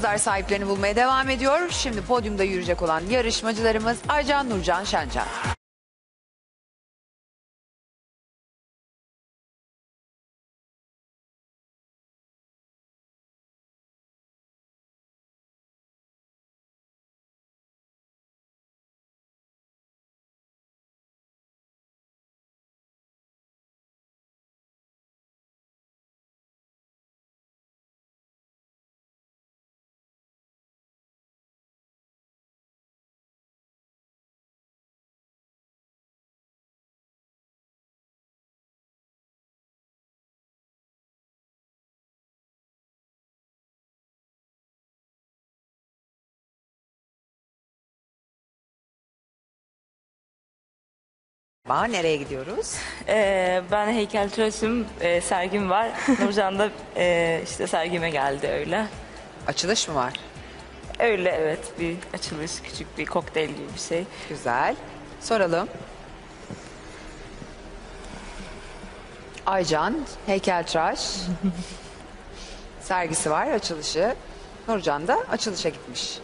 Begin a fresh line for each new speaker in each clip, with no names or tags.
Kızlar sahiplerini bulmaya devam ediyor. Şimdi podyumda yürüyecek olan yarışmacılarımız Aycan, Nurcan, Şencan. Nereye gidiyoruz?
Ben heykeltıraşım, sergim var. Nurcan da işte sergime geldi öyle.
Açılış mı var?
Öyle evet, bir açılış, küçük bir kokteyl gibi bir şey.
Güzel. Soralım. Aycan, heykeltıraş. Sergisi var, açılışı. Nurcan da açılışa gitmiş.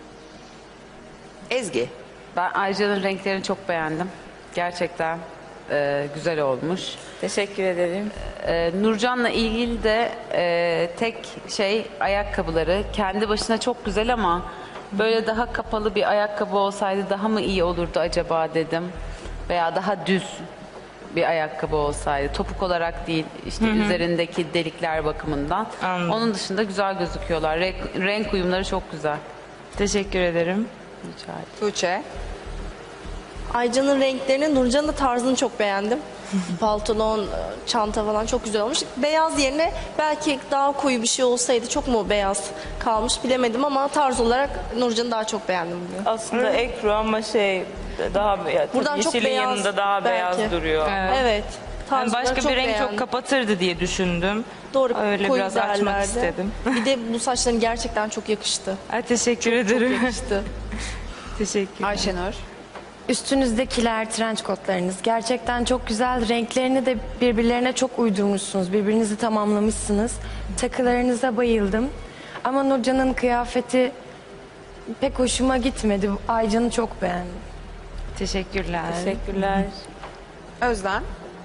Ezgi.
Ben Aycan'ın renklerini çok beğendim. Gerçekten güzel olmuş.
Teşekkür ederim.
Nurcan'la ilgili de tek şey ayakkabıları. Kendi başına çok güzel ama böyle daha kapalı bir ayakkabı olsaydı daha mı iyi olurdu acaba dedim. Veya daha düz bir ayakkabı olsaydı. Topuk olarak değil, işte üzerindeki delikler bakımından.
Anladım.
Onun dışında güzel gözüküyorlar. Renk uyumları çok güzel.
Teşekkür ederim.
Rica ederim.
Tuğçe.
Aycan'ın renklerini, Nurcan'ın da tarzını çok beğendim. Pantolon, çanta falan çok güzel olmuş. Beyaz yerine belki daha koyu bir şey olsaydı çok mu beyaz kalmış bilemedim ama tarz olarak Nurcan'ı daha çok beğendim bugün.
Aslında ekru ama daha
Buradan çok
yeşilin
beyaz
yanında daha
belki.
beyaz duruyor.
Evet.
Yani
tarz olarak
başka
çok
bir renk
beğendim.
çok kapatırdı diye düşündüm.
Doğru,
Öyle
koyu
biraz açmak
derlerdi.
istedim.
Bir de bu saçların gerçekten çok yakıştı.
Teşekkür
Çok
ederim.
yakıştı.
Teşekkür.
Ayşenur.
Üstünüzdekiler, trenç kotlarınız gerçekten çok güzel. Renklerini de birbirlerine çok uydurmuşsunuz. Birbirinizi tamamlamışsınız. Takılarınıza bayıldım. Ama Nurcan'ın kıyafeti pek hoşuma gitmedi. Aycan'ı çok beğendim.
Teşekkürler.
Teşekkürler.
Özlem.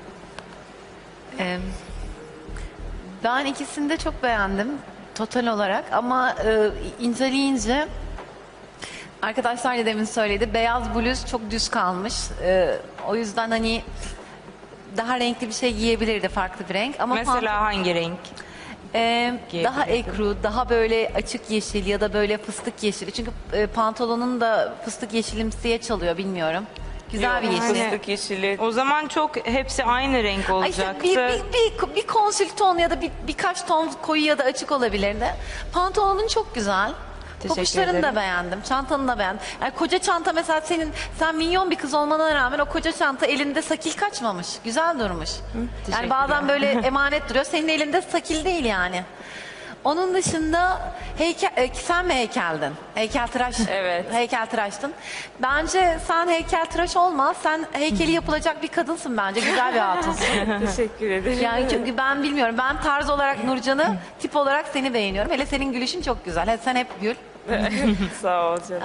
Ben ikisini de çok beğendim total olarak ama inceleyince arkadaşlar da demin söyledi, beyaz bluz çok düz kalmış. O yüzden hani daha renkli bir şey giyebilirdi, farklı bir renk ama
Mesela hangi renk?
daha ekru, daha böyle açık yeşil ya da böyle fıstık yeşili. Çünkü pantolonun da fıstık yeşilimsiye çalıyor, bilmiyorum. Güzel bir yeşil.
Fıstık yeşili. O zaman çok hepsi aynı renk
Ay işte
olacaktı.
bir konsül ton ya da birkaç ton koyu ya da açık olabilirdi. Pantolonun çok güzel. Papuçlarını
ederim.
da beğendim. Çantanı da beğendim. Yani koca çanta mesela sen minyon bir kız olmana rağmen o koca çanta elinde sakil kaçmamış. Güzel durmuş. Yani bazen böyle emanet duruyor. Senin elinde sakil değil yani. Onun dışında sen mi heykeldin? Heykeltıraş.
Evet.
Heykeltıraştın. Bence sen heykeltıraş olma. Sen heykeli yapılacak bir kadınsın bence. Güzel bir hatunsun.
Teşekkür ederim.
Yani çünkü ben bilmiyorum. Ben tarz olarak Nurcan'ı, tip olarak seni beğeniyorum. Hele senin gülüşün çok güzel. Sen hep gül.
Sağ ol canım.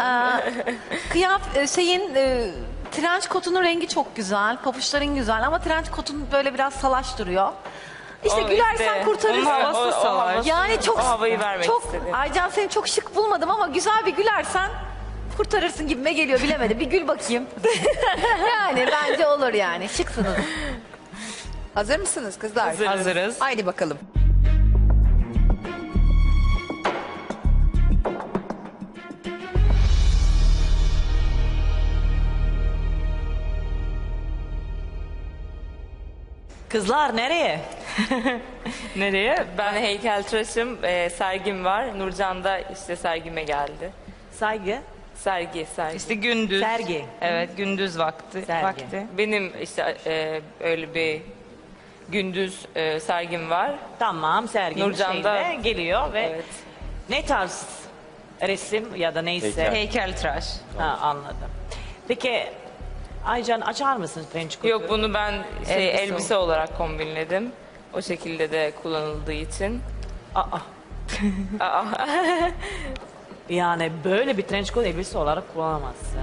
Trenç kotunun rengi çok güzel. Papuçların güzel ama trenç kotun böyle biraz salaş duruyor. İşte gülersen kurtarırsın.
Onun havası salaş.
Yani çok
O havayı vermek istedim.
Aycan, seni çok şık bulmadım ama güzel bir gülersen kurtarırsın gibime geliyor, bilemedim. Bir gül bakayım. Yani bence olur yani. Şıksınız.
Hazır mısınız kızlar?
Hazırız.
Haydi bakalım.
Kızlar nereye?
Nereye? Ben heykeltıraşım, sergim var. Nurcan da işte sergime geldi.
Saygı.
Sergi. İşte gündüz.
Sergi.
Evet, gündüz vakti. Benim işte öyle bir gündüz sergim var.
Tamam, serginin
Nurcan da-
şeyinde geliyor ve
Evet.
ne tarz resim ya da neyse.
Heykeltıraş.
Ha, anladım. Peki Aycan açar mısın French kotu?
Yok, bunu ben elbise olarak kombinledim. O şekilde de kullanıldığı için.
Aa.
Aa.
Yani böyle bir trench coat elbise olarak kullanamazsın.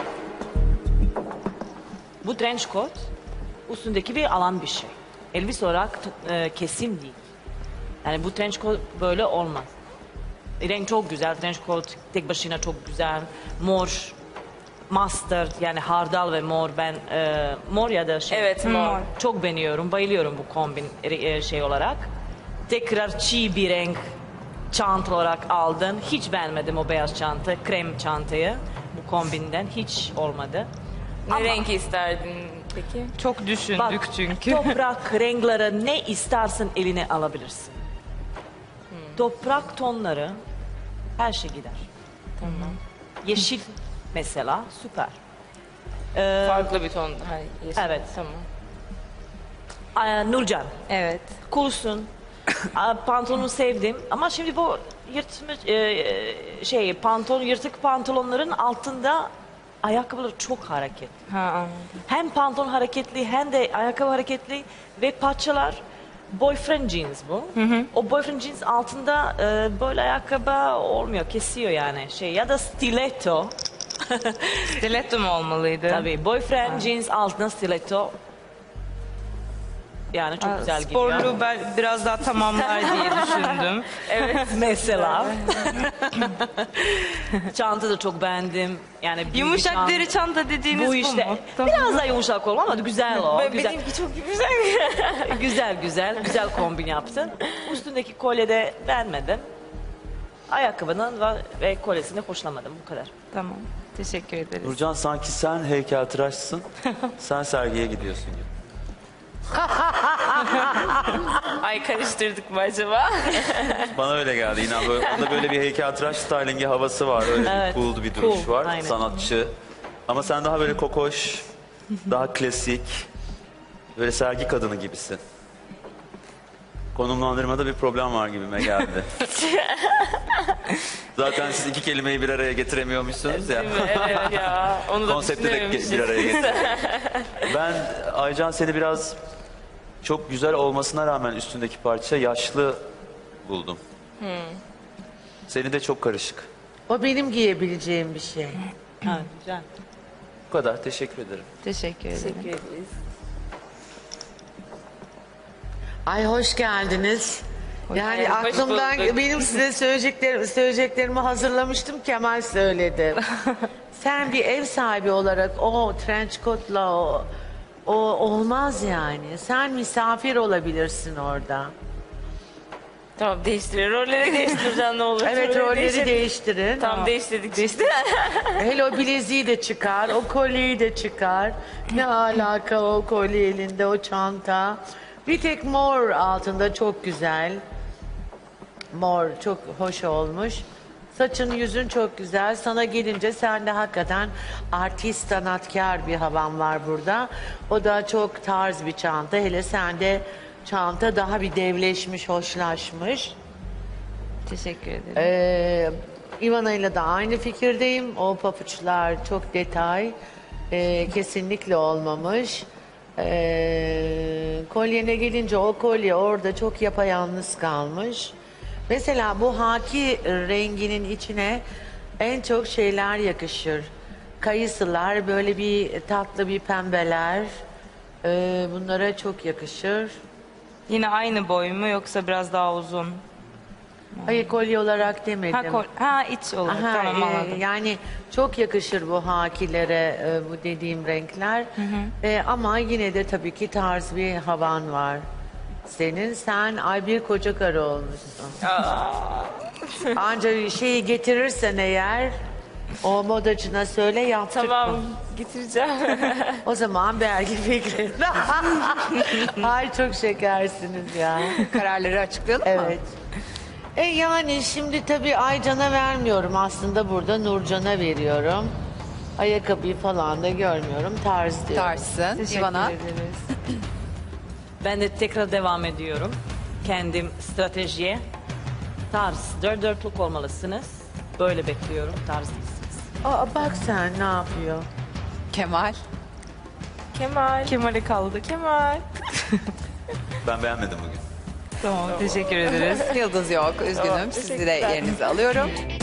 Bu trench coat üstündeki bir alan bir şey. Elbise olarak kesim değil. Yani bu trench coat böyle olmaz. Renk çok güzel. Trench coat tek başına çok güzel. Mor, mustard yani hardal ve mor. Ben mor ya da şey.
Evet, mor.
Çok beğeniyorum. Bayılıyorum bu kombin şey olarak. Tekrar çiğ bir renk çanta olarak aldın. Hiç beğenmedim o beyaz çanta, krem çantayı. Bu kombinden hiç olmadı.
Ne renk isterdin peki?
Çok düşündük
Bak,
çünkü.
toprak renkleri ne istersen eline alabilirsin. Toprak tonları her şey gider. Tamam. Yeşil mesela süper.
Farklı bir ton. Hayır, yeşil.
Evet.
Tamam.
Nurcan,
Evet.
coolsun. Pantolonu sevdim ama şimdi bu yırtmış pantolon yırtık pantolonların altında ayakkabıları çok hareketli.
Ha, anladım.
Hem pantolon hareketli hem de ayakkabı hareketli ve parçalar boyfriend jeans bu. O boyfriend jeans altında böyle ayakkabı olmuyor, kesiyor yani ya da stiletto.
Stiletto mu olmalıydı?
Tabii boyfriend jeans altına stiletto. Yani çok güzel gidiyor.
Sporlu ben biraz daha tamamlar diye düşündüm.
Evet mesela. Çanta da çok beğendim. Yani büyük bir
Yumuşak
çanta.
deri çanta dediğiniz
Bu
bu
işte
mu?
biraz daha yumuşak olma ama güzel o. Güzel.
Benimki çok güzel.
güzel kombin yaptın. Üstündeki kolye de beğenmedim. Ayakkabının ve kolyesini hoşlanmadım bu kadar.
Tamam. Teşekkür ederiz.
Nurcan sanki sen heykeltıraşsın. Sen sergiye gidiyorsun gibi.
Ay karıştırdık mı acaba?
Bana öyle geldi. Yine böyle, onda böyle bir heykeltıraş stylingi havası var. Öyle
Evet.
bir cool bir duruş
Cool,
var.
aynen.
Sanatçı. Ama sen daha böyle kokoş, daha klasik, böyle sergi kadını gibisin. Konumlandırmada bir problem var gibime geldi. Zaten siz iki kelimeyi bir araya getiremiyormuşsunuz ya.
Evet ya. Onu da
Konsepti de
düşünememişiz.
bir araya getir. Ben Aycan seni biraz çok güzel olmasına rağmen üstündeki parça yaşlı buldum. Seni de çok karışık.
O benim giyebileceğim bir şey.
Ha, güzel.
Bu kadar. Teşekkür ederim.
Teşekkür ederim.
Ay hoş geldiniz. Yani
Hoş
aklımdan
bulduk.
benim size söyleyeceklerimi hazırlamıştım. Kemal söyledi. Sen bir ev sahibi olarak o trench coat'la o olmaz yani. Sen misafir olabilirsin orada.
Tamam değiştirir. Rolleri değiştireceğim ne olur.
Evet rolleri değiştirin.
Tamam değiştirdik işte.
Hele o bileziği de çıkar, o kolyeyi de çıkar. Ne alaka o kolye elinde, o çanta. Bir tek mor altında çok güzel. Mor çok hoş olmuş. Saçın yüzün çok güzel. Sana gelince sen de hakikaten artist, sanatkar bir havan var burada. O da çok tarz bir çanta. Hele sende çanta daha bir devleşmiş, hoşlaşmış.
Teşekkür ederim.
Ivana ile de aynı fikirdeyim. O papuçlar çok detay. Kesinlikle olmamış. Kolyene gelince o kolye orada çok yapayalnız kalmış. Mesela bu haki renginin içine en çok şeyler yakışır. Kayısılar, böyle bir tatlı bir pembeler. Bunlara çok yakışır.
Yine aynı boy mu yoksa biraz daha uzun?
Hayır kolye olarak demedim.
İç olarak
Aha,
tamam anladım.
yani çok yakışır bu hakilere bu dediğim renkler. Ama yine de tabii ki tarz bir havan var. Sen bir koca karı olmuşsun. Ancak şeyi getirirsen eğer o modacına söyle yaptırma.
Tamam getireceğim.
O zaman belki fikrin. Ay çok şekersiniz ya.
Kararları açıklayalım mı?
Evet. Yani şimdi tabii Aycan'a vermiyorum aslında burada Nurcan'a veriyorum. Ayakkabıyı falan da görmüyorum. Tarz diyorum.
Tarsın.
Teşekkür
İvana.
ederiz.
Ben de tekrar devam ediyorum. Kendim stratejiye. Tarz, dörtlük olmalısınız. Böyle bekliyorum, tarz değilsiniz.
Aa, bak sen ne yapıyor.
Kemal.
Kemal'e kaldı. Kemal.
Ben beğenmedim bugün.
Tamam teşekkür ederiz.
Yıldız yok. Üzgünüm. Sizi de yerinize alıyorum.